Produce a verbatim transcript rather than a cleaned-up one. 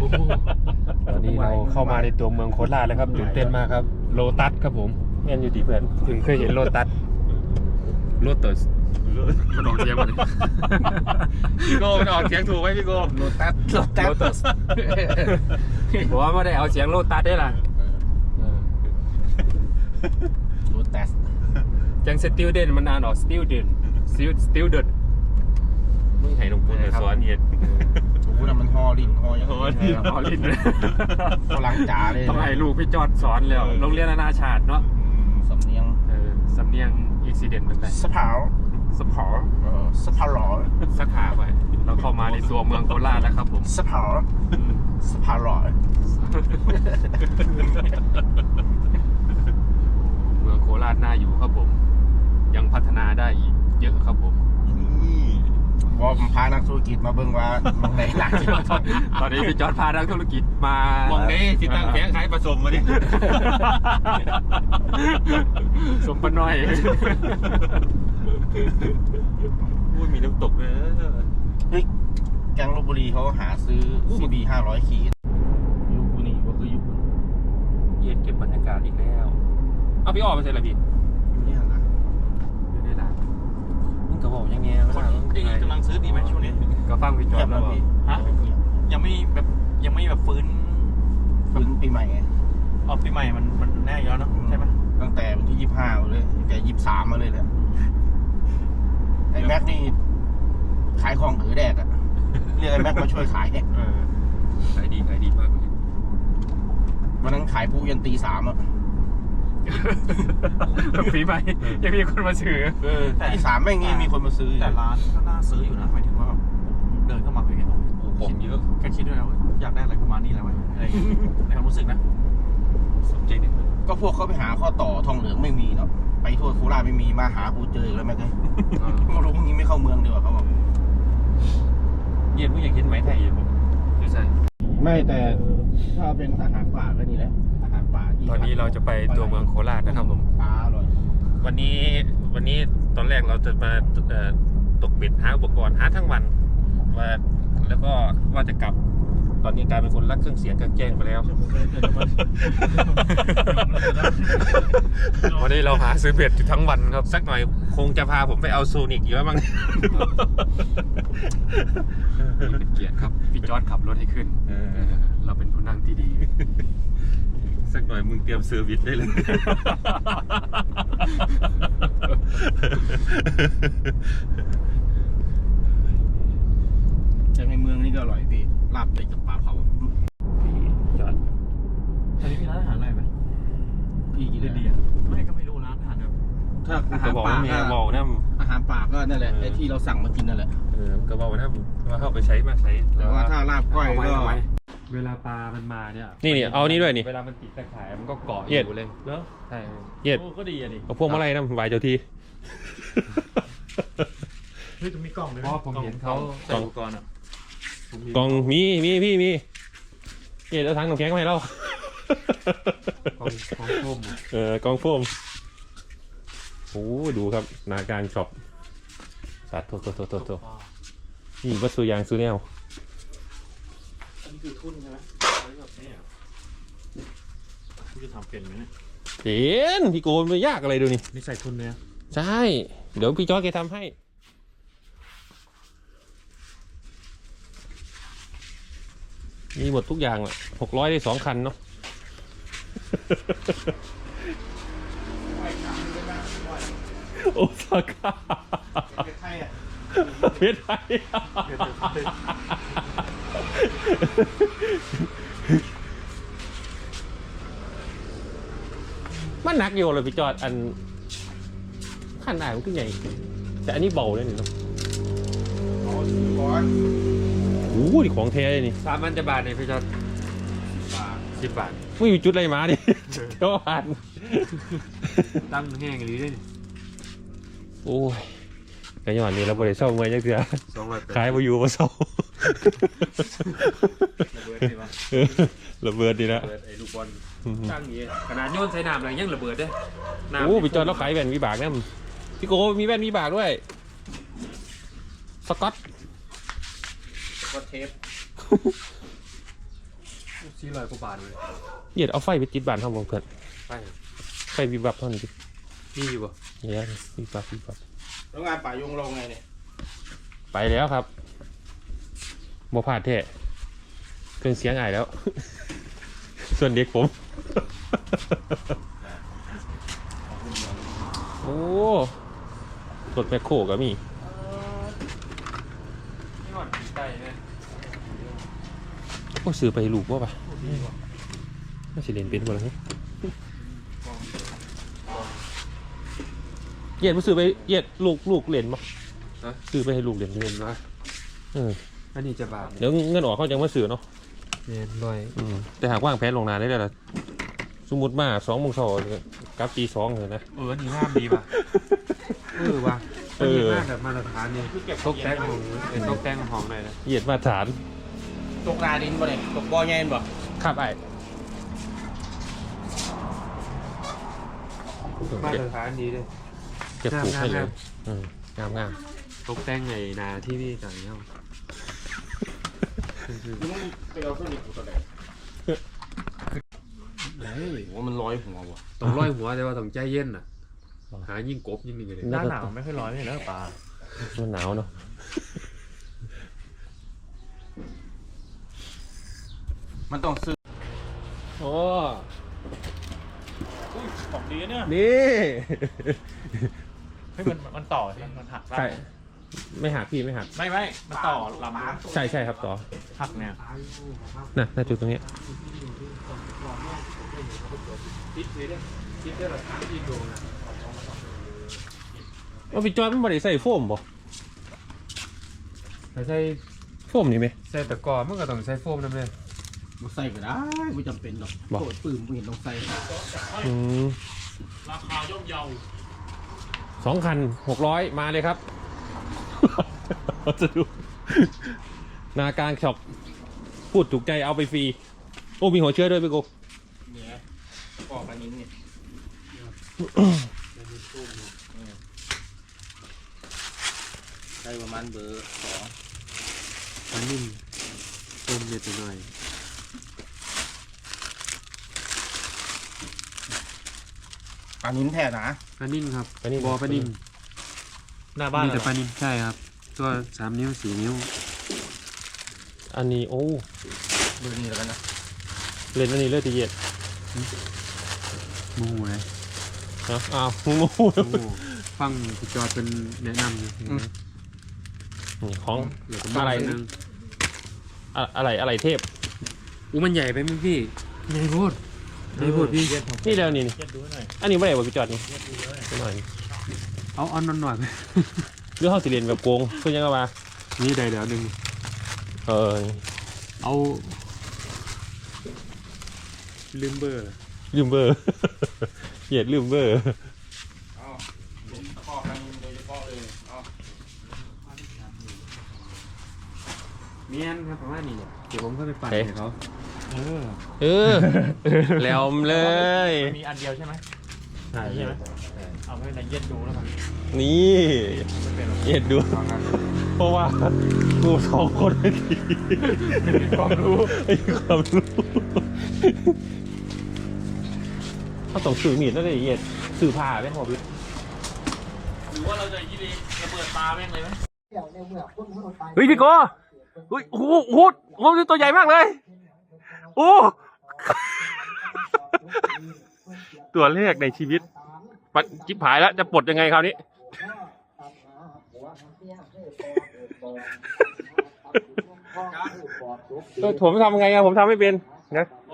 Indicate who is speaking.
Speaker 1: ตอนนี้เราเข้ามาในตัวเมืองโคราชแล้วครับตื่นเต้นมากครับโลตัสครับผมแม่นอยู่ดีเพื่อนถึงเคยเห็นโลตัสโลตัสมันออกเสียงมันพี่โก้มันออกเสียงถูกไหมพี่โก้โลตัสโลตัสโลตัสบอกว่าไม่ได้เอาเสียงโลตัสได้ล่ะโลตัสจังสติลเดนมันอ่านออกสติลเดนสติลสติลเดนมึงให้ลงปูนมาสอนเห็ด
Speaker 2: โอ้โหมันฮอลินฮออย่าง
Speaker 1: นี้ฮอลิน
Speaker 2: กำลังจ๋าเลย
Speaker 1: ต้องให้ลูกพี่จอดสอนแล้วโรงเรียนนานาชาติเนาะ
Speaker 2: สำเนียง
Speaker 1: เออสำเนียงอุบิเหตุเป็นไร
Speaker 2: สะเผา
Speaker 1: สะเผา
Speaker 2: สะเผาหล่อ
Speaker 1: สักขาไปเราเข้ามาในตัวเมืองโคราชแล้วครับผม
Speaker 2: สะเผาสะเผาหล่อ
Speaker 1: เมืองโคราชน่าอยู่ครับผมยังพัฒนาได้อีกเยอะครับผม
Speaker 2: พอพานักธุรกิจมาเบิ่งว่ามองไหนหนัก
Speaker 1: ตอนนี้พี่จอร์ดพานักธุรกิจมามองนี้ที่ตั้งแผงขายผสมมาดิสมปน้อยพูดมีน้ำตกเลย
Speaker 2: เฮ้ยแกงลพบุรีเขาหาซื้อ ซี บี ห้าร้อยขีดอยู่กูนี่ก็คืออยู่
Speaker 1: เย็นเก็บบรรยากาศอีกแล้วเอาพี่ออกไปใส่อะไรพี่
Speaker 2: อยู่นี่หรอ
Speaker 1: อยู่ได้หรอมึงก็บอกยังไง
Speaker 3: คนที่กำลังซื้อดีไหมช่วงนี้
Speaker 1: ก็ฟังพี่จอร์ดแล้ว
Speaker 3: ฮะยังไม่แบบยังไม่แบบฟื้น
Speaker 2: ฟื้นปีใหม่ไง
Speaker 3: ออกปีใหม่มันมันแน่ย้อนเนาะใช่ไหม
Speaker 2: ตั้งแต่วันที่ยี่สิบห้าเลยตั้งแต่ยี่สิบสามมาเลยแหละไอ้แม็กนี่ขายของถือแดดอะเรียกไอ้แม็กมาช่วยขายเนี่ย
Speaker 1: ขายดีขายดีมาก
Speaker 2: วันนั้นขายปูยันตีสามอะ
Speaker 1: ปีใหม่ยังมีคนมาซื้อ
Speaker 2: ตีสามไม่งี้มีคนมาซื้อ
Speaker 3: แต่ร้านก็น่าซื้ออยู่นะหมายถึงว่าแบบเดินเข้ามาเคยเห็น
Speaker 1: ผมเยอะ
Speaker 3: แค่คิดด้วยนะว่าอยากได้อะไรประมาณนี้แหละวะอะไรในความรู้สึกนะ
Speaker 1: สนใจนิดนึง
Speaker 2: ก็พวกเขาไปหาข้อต่อทองเหลืองไม่มีเนาะไปทั่วโคราชไม่มีมาหากูเจอแล้วแม่เลยไม่รู้พวกนี้ไม่เข้าเมืองดีกว่าเขาบอก
Speaker 1: เย็นมึงอยากกินไหมไทยอยู่ผมใช่
Speaker 2: ไม่แต่ถ้าเป็นอาหารป่าก็นี่แหละอาหารป่าที่
Speaker 1: ตอนนี้เราจะไปตัวเมืองโคราชนะครับผม
Speaker 2: ปลาอร่อย
Speaker 1: วันนี้วันนี้ตอนแรกเราจะมาตกเบ็ดหาอุปกรณ์หาทั้งวันว่าแล้วก็ว่าจะกลับตอนนี้กลายเป็นคนรักเครื่องเสียงกลางแจ้งไปแล้ววันนี้เราหาซื้อเบ็ดอยู่ทั้งวันครับสักหน่อยคงจะพาผมไปเอาโซนิกอยู่แล้วมั้งเป็นเกียรติครับพี่จอร์ดขับรถให้ขึ้นเราเป็นผู้นั่งที่ดีสักหน่อยมึงเตรียมเซอร์วิสได้เลย
Speaker 2: จากในเมืองนี่ก็อร่อยพี่ลาบเป็ดกับปลาเผา
Speaker 1: พี่จอด
Speaker 3: ตอนนี้มีร้านอาหารอะไรไหม
Speaker 2: พี่กิน
Speaker 3: ดีอ่ะไม่ก็ไม่รู้ร้านอาหารแบบ
Speaker 2: ถ้าอาหารป่าก็
Speaker 1: บอกนะ
Speaker 2: อาหารป่าก็นั่นแหละไอ้ที่เราสั่งมากินนั่นแหละ
Speaker 1: เออก็บอกนะว่าเข้าไปใช้มาใช้
Speaker 2: แต่ว่าถ้าลาบก้อยก็
Speaker 1: เวลาปลามันมาเนี่ย
Speaker 4: นี่นี่เอานี่ด้วยนี่
Speaker 1: เวลามันติดตะข่ายมันก็เกาะอยู่เลย
Speaker 3: เนอะ
Speaker 1: ใช่
Speaker 4: เย็ด
Speaker 3: ก็ดีอ่ะดิ
Speaker 4: เอาพวกมาไล่น้ำไหวเจ้าที
Speaker 3: เฮ้ยจะมีกล่องเลย
Speaker 1: เพราะผมเห็นเขา
Speaker 3: ใส่อุปกรณ์อ่ะ
Speaker 4: กล่องมีมีพี่มีเย็ดเอาถังน้ำแข็งมาให้เรา
Speaker 1: กองกองโฟม
Speaker 4: เออกองโฟมโอ้ดูครับนาการช็อปสาธุโตโตโตโตนี่วัตถุยางซูเนล
Speaker 3: อันนี้คือทุ่นใช่ไหมคุณจะทำเป็นไหมเนี่ย
Speaker 4: เห็นพี่โกนไม่ยากอะไรดูนี่
Speaker 3: นี่ใส่ทุ่นเนี่ย
Speaker 4: ใช่เดี๋ยวพี่จอร์จแกทำให้มีหมดทุกอย่างอ่ะหกร้อยได้สองคันเนาะโอซาก้าเพชรไทยเพชรไทยมันหนักอยู่เลยพี่จอดอันขั้นไหนมันขึ้นใหญ่แต่อันนี้เบาเลยนี่เนาะโอ้โหนี่ของแท้เลยนี่
Speaker 1: สามพันจะบาทเนี่ยพี่จอดสิบบาท
Speaker 4: ไม่มีจุดอะไรมาดิเจ้าผ่าน
Speaker 1: ตั้งแห้งหรือได้
Speaker 4: โอ้ยกระยอนนี่เราบริเศร้าเมื่อยจังเสียขายมาอยู่มาเศร้าระเบิดดีนะ
Speaker 1: ไอ้ลูกบอลตั้งอย่างขนาดโยนใส่น้ำอะไรยังระเบิดได้
Speaker 4: โอ้พี่จอดแล้วขายแว่นวิบากเนี่ยพี่โก้มีแว่นวิบากด้วยสก๊อต
Speaker 2: สก๊อตเทป
Speaker 1: สี่ร้อยกว่าบาทเลย
Speaker 4: เหยียดเอาไฟไปติดบ้านเขาบอกเพื่อน
Speaker 1: ไป
Speaker 4: ไฟวิบวับเท่านี้ดิ
Speaker 1: มีอยู่ป่ะ
Speaker 4: เนี่ยวิบวับวิบวับ
Speaker 2: แล้วงานป่ายงลงไงเนี่ย
Speaker 4: ไปแล้วครับบ่พลาดแท้เครื่องเสียงอายแล้ว ส่วนเด็กผม โอ้รถแมคโครก็มี
Speaker 1: นี่หอดปีไก่เนี่ย
Speaker 4: โอ้ซื้อไปให้ลูกว่าปะน่าจะเรียนเป็นบ่ล่ะนี่เหยียดมาซื้อไปเหยียดลูกลูกเรียนบ่ซื้อไปให้ลูกเรียน
Speaker 1: เห็นไหม
Speaker 4: เออ
Speaker 1: อันนี้จะบาท
Speaker 4: เดี๋ยวเงินออกเขาจะมาซื้อเนาะ
Speaker 1: เห็นด้วย
Speaker 4: อืมแต่หากว่างแผนลงนานได้แล้วล่ะสมมติมาสองโมงเช้ากลับตีสองเลยนะ
Speaker 1: เอออันนี้งามดีป่ะเออว่ะ
Speaker 4: เออ
Speaker 1: นนี้งามแบบมาตรฐานนี่ตกแต่งของเป็นตกแต่งของหน่อยนะ
Speaker 4: เหยียดมาตรฐาน
Speaker 2: ตกนาดินบ่เนี่ยตกบ่อแงนบ่
Speaker 4: ครับไอ้
Speaker 1: มาตรฐานดีเลย
Speaker 4: เก็บปลูกให้เล
Speaker 1: งาย ม
Speaker 4: อืมงามงาม
Speaker 1: ตกแต่งไงนาที่นี่ต่างเงี้ย
Speaker 2: มึงไปเอาเครื่องนี้กูตัวไหน
Speaker 1: เฮ้ย
Speaker 2: ว่ามันร้อยหัวว่ะ
Speaker 1: ต้องร้อยหัวแต่ว่าต้องใจเย็นอ่ะหายิ่งกบยิ่งนี่เลย
Speaker 3: หน้าหนาวไม่ค่อยร้อนเลยนะปลา
Speaker 4: มันหนาวเนาะ
Speaker 2: มันต้องซื้อ
Speaker 4: โอ้
Speaker 3: ของดีเนี่ย
Speaker 4: นี่
Speaker 3: เฮ้ยมันมันต่อใช่ไหมมันหักได้
Speaker 4: ใช่ไม่หักพี่ไม่หัก
Speaker 3: ไม่ไม่มันต่อลำ
Speaker 4: ใช่ใช่ครับต่อ
Speaker 3: หักเนี่ย
Speaker 4: น่ะน่าจุดตรงนี้
Speaker 1: คิดเลยเนี่ยคิดได้หรอคิดดูนะ
Speaker 4: ว่าพี่จอยมันไม่ได้ใส่โฟมบ่
Speaker 1: ถ้าใส่
Speaker 4: โฟมนี่ไหม
Speaker 1: ใส่ตะกร้อมันก็ต้องใส่โฟมนั่นเลย
Speaker 2: กูใส่ก็ได้ไม่จำเป็นหรอก
Speaker 4: บอก
Speaker 2: โคตรปื้มกูเห็นต้องใส่
Speaker 4: อืม
Speaker 3: ราคาย่อมเยา
Speaker 4: สองคันหกร้อยมาเลยครับ จะดูนาการช็อปพูดถูกใจเอาไปฟรีโอ้มีหัวเชื้อด้วยพี่โก
Speaker 2: เนี่ยปอกอันนี้เนี่ยใส่ประมาณเบอร์สอง
Speaker 1: อันนิ่มต้มเล็กหน่อย
Speaker 2: ปลานิ้นแท้นะ
Speaker 1: ปลานิ่มครับ
Speaker 4: อันนี้
Speaker 1: บอปลานิ่ม
Speaker 3: หน้าบ้าน
Speaker 1: มี
Speaker 3: เหร
Speaker 1: แต่
Speaker 3: อ
Speaker 1: ปลานิ่มใช่ครับ ตัวสามนิ้วสี่นิ้ว
Speaker 4: อันนี้โอ้
Speaker 2: เบอร์นี้แล้วกันนะ
Speaker 4: เล่นอันนี้เลือดตีเย็ด
Speaker 1: หมูเลย
Speaker 4: เนาะอ้าวงู
Speaker 1: โอ้ฟังพี่จอดเป็นแนะนำอยู่
Speaker 4: นี่ของ
Speaker 1: เหลือ
Speaker 4: อะไร
Speaker 1: นึง
Speaker 4: อะอะไรอะไรเทพ
Speaker 1: อู้มันใหญ่ไปมั้งพี่ใหญ่โพดใหญ่โพดพี่
Speaker 4: นี่แล้วนี่นี่
Speaker 3: เย็ดดูหน่อย
Speaker 4: อันนี้ไม่ได้บอกพี่จอดนี่
Speaker 3: เย็ดดูเลย
Speaker 4: นิดหน่อย
Speaker 1: เอาเอันนอนหน่อยไหม
Speaker 4: เรื่องห้องสิเรียนแบบโกงเพื่อนยังไงวะ
Speaker 1: นี่ได้แล้วหนึ่ง
Speaker 4: เออ
Speaker 1: เอาลืมเบอร์
Speaker 4: ลืมเบอร์ เหยียดลืมเบอร์
Speaker 2: เอาเป็นตะกร้อปลานิ้นโดยเฉพาะเลยเอา
Speaker 1: เมียนครับประมาณนี้เนี่ยเดี๋ยวผมก็ไปปั่นให้เขาเออ
Speaker 4: เออแล้วเลย
Speaker 3: มันมีอันเดียวใช่ไหม
Speaker 1: ใช่
Speaker 3: ใช่ไหมเอาไม่เป็นไรเย็ดดูแล้วกัน
Speaker 4: นี่
Speaker 3: ไม่เป็นหรอก
Speaker 4: เหยียดดู เพราะว่ากูสองคนไม่ดี
Speaker 1: มีความรู้
Speaker 4: ไม่มีความรู้เขาต้องสื่อมีดแล้วเลยเหยียดสื่อผ้าไหมหมอพี่
Speaker 3: หรือว่าเราจะยี่ดีระเบิดปลาแม่งเลยไหม
Speaker 4: เฮ้ยพี่โกเฮ้ยโอ้โหโอ้โหโอ้โหตัวใหญ่มากเลย โอ้ ตัวแรกในชีวิตปัดจิ๊บหายแล้วจะปลดยังไงคราวนี้ เออผมทำไงอะผมทำไม่เป็นนะ